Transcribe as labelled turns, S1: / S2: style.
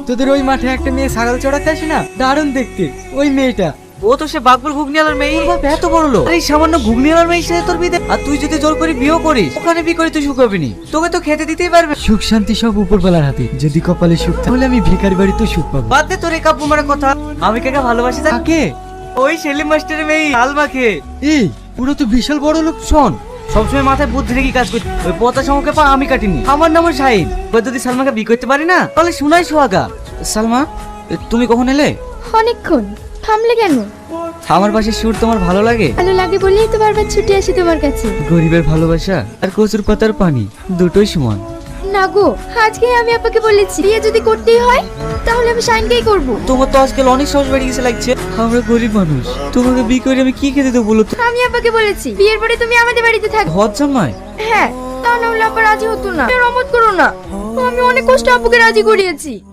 S1: তোদের ওই মাঠে একটা মেয়ে ছাগল চড়াতে আসে না, দারুণ দেখতে ওই মেয়েটা।
S2: ও তো সে বাকবুল ঘুগনিওয়ালার মেয়ে। ওর বাপ এত বড় লোক, আর এই সামান্য ঘুগনিওয়ালার মেয়ের সাথে তোর বিয়ে? আর তুই যদি জোর করে বিয়েও করিস, ওখানে বিয়ে করে তুই সুখ পাবি নি। তোকে তো খেতে দিতেই পারবে।
S1: সুখ শান্তি সব উপরবেলার হাতে, যদি কপালে সুখ থাকে, তাহলে আমি ভিখারি বাড়িতেও সুখ পাবো।
S2: বাদ দে তোর এই কাব্য মারার কথা। আমি কাকে ভালোবাসি জানিস?
S1: কাকে?
S2: ওই সেলিম মাস্টারের মেয়ে আলমাকে।
S1: এই পুরো তো বিশাল বড় লোক।
S2: শোন, সবসময় মাথায় বুদ্ধি রেখে কাজ করছি। ওই পচা সমকে পা আমি কাটিনি। আমার নাম শাহিদ। ওই যদি সালমাকে বিয়ে করতে পারি না, তাহলে শোনাই সোহাগা। সালমা, তুমি কখন এলে?
S3: অনেকক্ষণ। থামলে কেন?
S2: আমার পাশে সুর তোমার ভালো লাগে?
S3: ভালো লাগে বলেই তো বারবার ছুটে আসি তোমার কাছে।
S2: গরিবের ভালোবাসা আর কচুর পাতার পানি দুটোই সমান।
S3: না গো, আজকে আমি আপাকে বলেছি বিয়ে যদি করতেই হয় তাহলে আমি শাইনকেই করব।
S2: তোমার তো আজকাল অনেক সাহস বেড়ে গেছে লাগছে। আমরা গরিব মানুষ, তোমাকে বিয়ে করে আমি কি খেতে দেবো বলো তো?
S3: আমি আপাকে বলেছি বিয়ের পরে তুমি আমাদের বাড়িতে থাকবে।
S2: হজ জামাই?
S3: হ্যাঁ, তা না হলে আপা রাজি হতো না। রমত করো না, আমি অনেক কষ্ট আপুকে রাজি করিয়েছি।